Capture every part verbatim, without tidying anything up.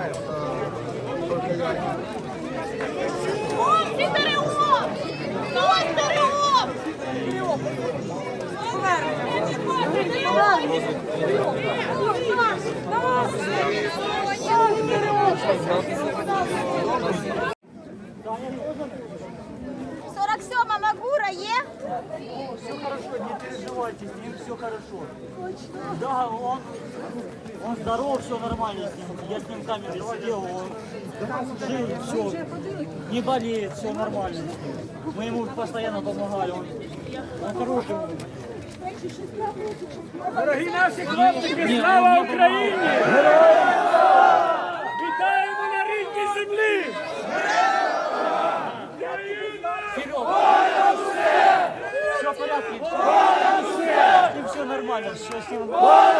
сорок сьома Магура є? Все хорошо, не переживайте, с ним все хорошо. Да, он, он здоров, все нормально с ним. Я с ним в камере сидел, он жил, все, не болеет, все нормально с ним. Мы ему постоянно помогали, он, он хороший. Дорогі наші хлопчики, слава Україні! Вітаємо на рідній землі! Все в порядке, с ним все нормально, все с ним.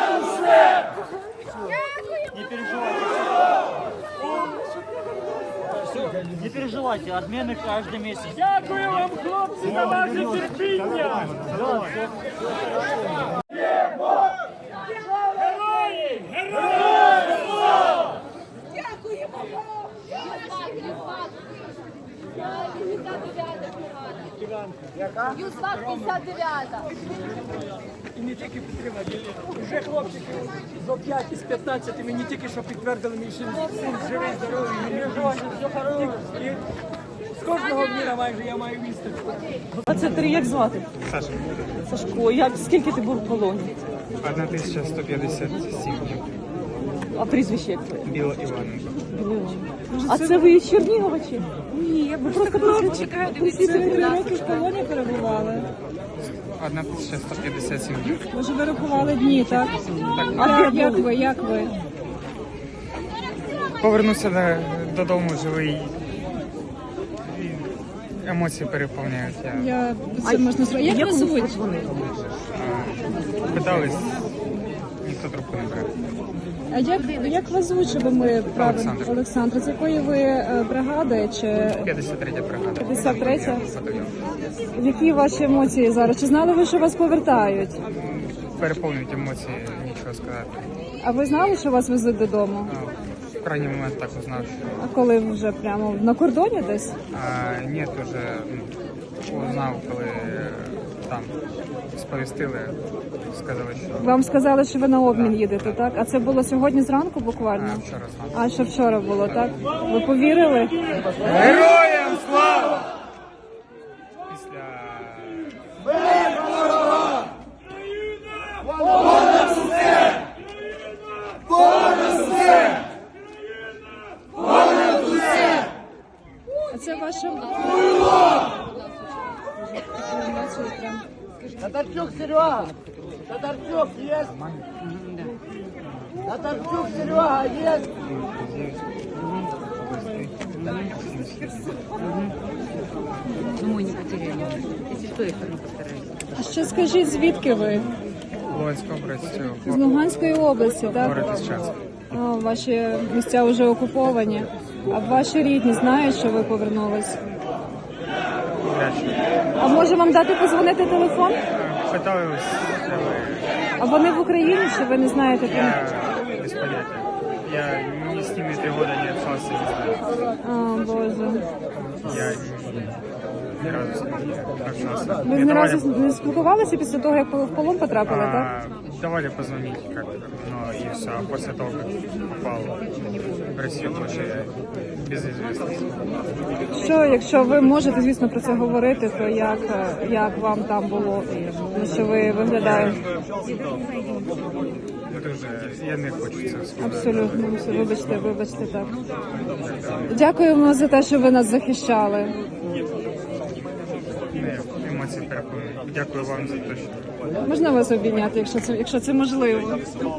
Не переживайте. Все, не переживайте, отмены каждый месяц. Дякую вам, хлопці, за ваше терпіння! Герої! Герої! Дякуємо вам! Юсфак п'ятдесят дев'ята. І не тільки підтримати. Уже хлопчики зо п'ять із п'ятнадцяти мені тільки що підтвердили, мій син живий, здоровий. І не живий, все хорошо. І з кожного дня майже я маю вісточку. двадцять три, як звати? Саша, Сашко, як, скільки ти був в полоні? одна тисяча сто п'ятдесят сім днів. А прізвище як твоє? Біла Іваненко. А це ви із Чернігова чи? Ні, я просто просто чекаю, дивіться, три роки в полоні перебували. одна тисяча сто п'ятдесят сім днів. Може, ви рахували дні, так? А Як, де як були? ви, як ви? Повернувся до- додому живий. І емоції переповняють. Я Я це можна зробити. Як вас звуть? а, питались, ніхто трубку не бере. А як, як вас звуть, щоб ми правильно? Олександр. Олександр, з якої ви е, бригади чи п'ятдесят третя бригада. п'ятдесят третя? Батальйон. Які ваші емоції зараз? Чи знали ви, що вас повертають? Переповнюють емоції, нічого сказати. А ви знали, що вас везуть додому? А, в крайній момент так узнав, що А коли вже прямо на кордоні десь? а, ні, вже ну, узнав, коли е, там сповістили, сказали, що Вам сказали, що ви на обмін їдете, так? А це було сьогодні зранку буквально? а, вчора знав. А що вчора було, так? Ви повірили? Героям слава! Після А це ваша... Татарчук Серега! Татарчук есть? Татарчук Серега есть? Думаю, не потеряли. Если что, я все равно постараюсь. А ще скажіть, звідки ви? Луганська область, З Луганської області, так? город Ісчанськ. А, ваші місця вже окуповані. А ваші рідні знають, що ви повернулись? А може вам дати позвонити телефон? Питались, А вони в Україні, чи ви не знаєте? про них? я без поняття. Я ни с ними три года не общался, не знаю. А, Боже. Я ни разу с ними не общался. Ви Мне ні давали, разу не спілкувалися після того, як в полон потрапили, так? а, давали позвонить, как, но и все. А после того, как попал в Россию, вообще без известности. Що, якщо ви можете, звісно, про це говорити, то як, як вам там було? Ну, що ви виглядаєте? Ну, дуже, я не хочу це сказати. Абсолютно, все, вибачте, вибачте, так. Дякуємо за те, що ви нас захищали. Не, емоції переповнюють. Дякую вам за те, що Можна вас обійняти, якщо це, якщо це можливо?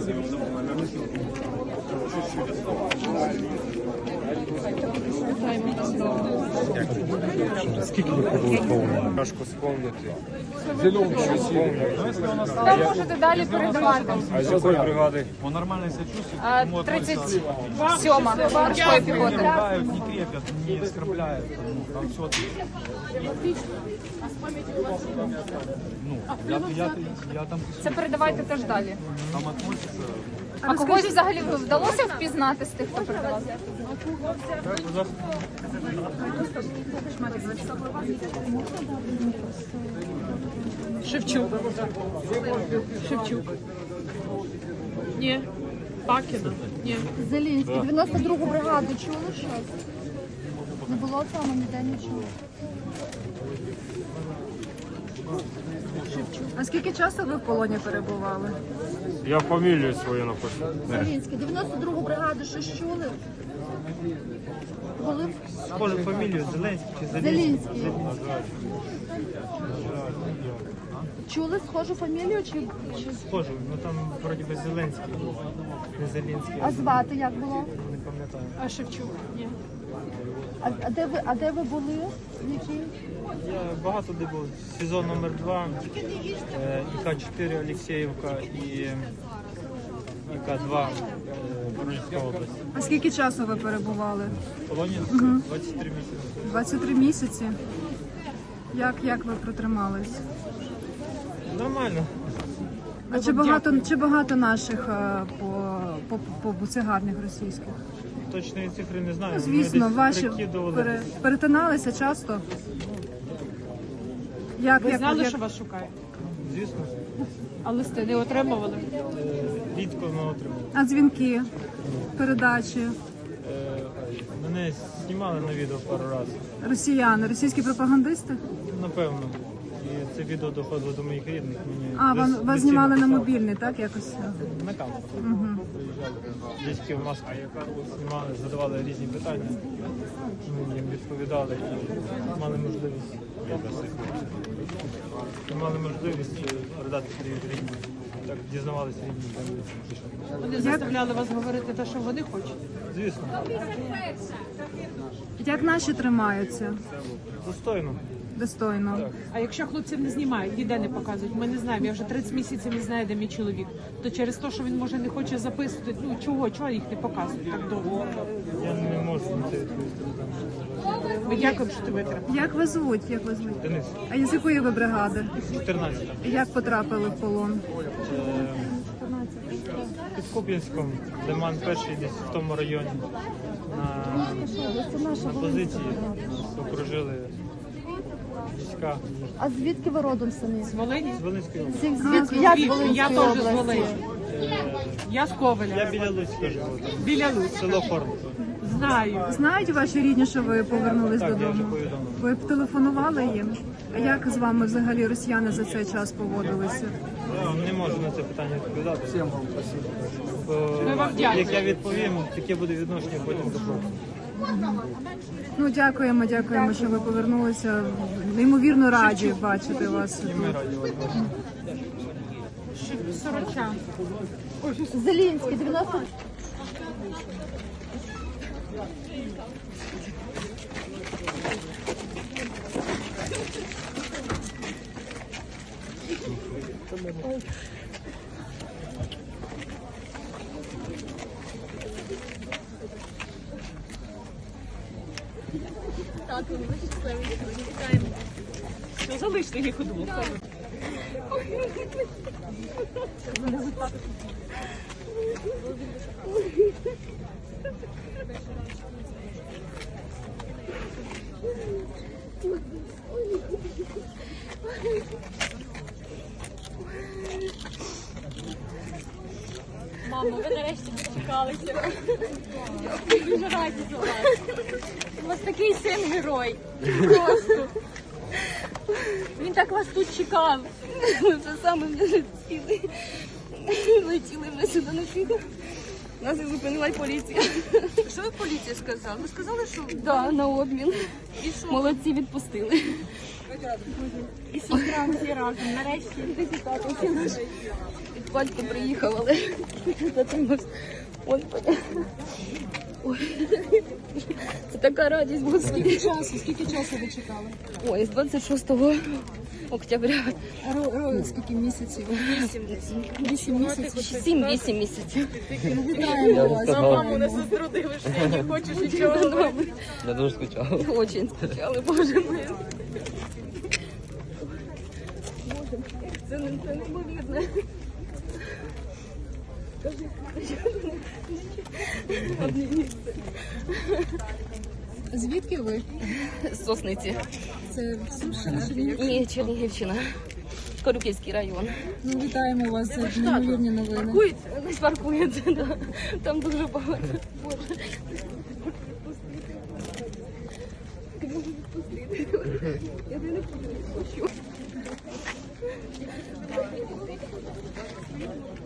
скільки ви пробули повні? Важко сповнити. Зелену що сповнити. Ви можете далі передавати. А з якої бригади? Он нормально себя чувствует. тридцять сьома морської піхоти. Помогают, не крепят, не оскорбляют. Ну, там все отлично. Ну, я, я, я там Це передавайте теж далі. там относится А когось взагалі вдалося впізнати з тих, хто передавав? Шевчук. Шевчук. Ні. Пакіна. Ні. Зелінський. дев'яносто другу бригаду чули щось? Не було там ніде нічого. А скільки часу ви в полоні перебували? Я фамілію свою напишу. Зелінський. дев'яносто другу бригаду щось чули? Були? Схоже фамілію Зеленський чи Зеленський. Зелінський. Чули схожу фамілію чи, чи... Схоже, ну там вроді би Зеленський, не Зеленський, А звати як було? не пам'ятаю. А Шевчук? Ні. А, а, де, ви, а де ви були? В якій? Я багато де був. Сезон номер два, е, І К чотири Олексіївка і І К два е, Воронежська область. А скільки часу ви перебували? В полоні двадцять три місяці. двадцять три місяці. Як, як ви протримались? Нормально. А чи багато, чи багато наших е, по, по, по буцегарнях російських? Точної цифри не знаю. Ми Звісно, десь ваші прикидували. пере, перетиналися часто? Як, Ви як, знали, як... що вас шукають? Звісно, А листи не отримували? е, рідко ми отримали. А дзвінки, передачі, Е, Мене знімали на відео пару разів. росіяни, російські пропагандисти? Напевно. І це відео доходило до моїх рідних. Мені А, вам, дос- вас знімали на постійно мобільний, так, якось? писали. На камеру. Угу. Приїжджали. Дядьки в маску знімали, задавали різні питання. Ми їм відповідали і мали можливість. І мали можливість передати своїх рідних. Так дізнавалися рідні. Вони заставляли вас говорити те, що вони хочуть. Звісно, Як наші тримаються? достойно. Достойно. А якщо хлопців не знімають, ніде не показують, ми не знаємо. Я вже тридцять місяців не знаю, де мій чоловік. То через те, що він може не хоче записувати, ну чого, чого їх не показують так довго? Я не можу на це відповісти. Ми дякуємо, що ти витримав. Як ви звуть? Як ви звуть? Денис, А з якої ви бригади? чотирнадцята. Як потрапили в полон? Під Куп'янськом, Лиман перший десь в тому районі. На, на позиції нас окружили війська А звідки ви родом самі? З Волині? з Волинської області. Звідки? Я з Я Волинської теж з області. Волині. Я з Ковеля. Я біля Луцька живу, там Біля Луцька. село Форма. Знаю. Знають ваші рідні, що ви повернулись Так, я вже додому? повідомив. Ви б телефонували їм? А як з вами взагалі росіяни за цей час поводилися? Я не можу на це питання відповідати. Всім вам спасибо. Ми вам дякуємо. Як я відповім, таке буде відношення потім до хлопців. Ну, дякуємо, дякуємо, що ви повернулися. Неймовірно раді бачити вас. І ми раді вас бачити. Сорочан. Зелінський, дев'яносто... Що залиште їх удвох? Мамо, ви нарешті дочекалися. Я дуже раді за вас. У вас такий син герой. Просто. Він так вас тут чекав. Ми вже саме не летіли. Летіли ми сюди на фігу. Нас і зупинила поліція. Що ви поліція сказала? Ви сказали, що Да, на обмін. Молодці відпустили. І сестра всі разом. Нарешті. Від батька приїхав, але затримався. Он Ой. Це така радість була. Скільки часу? Скільки часу ви чекали? Ой, з двадцять шостого октября. Скільки місяців? Вісім місяців. Сім-вісім місяців. Вітаємо вас. Маму не заструдили, що я не хочу нічого. Я дуже скучав. Очень скучали, боже мой. Боже, це не це неймовірно. Звідки ви? З Сосниці. Це Сумщина чи Чернігів? Ні, Чернігівщина. Корюківський район. Ну, вітаємо вас за неймовірні новини. Паркується, десь паркується, да. Там дуже багато. Боже. Я не хочу.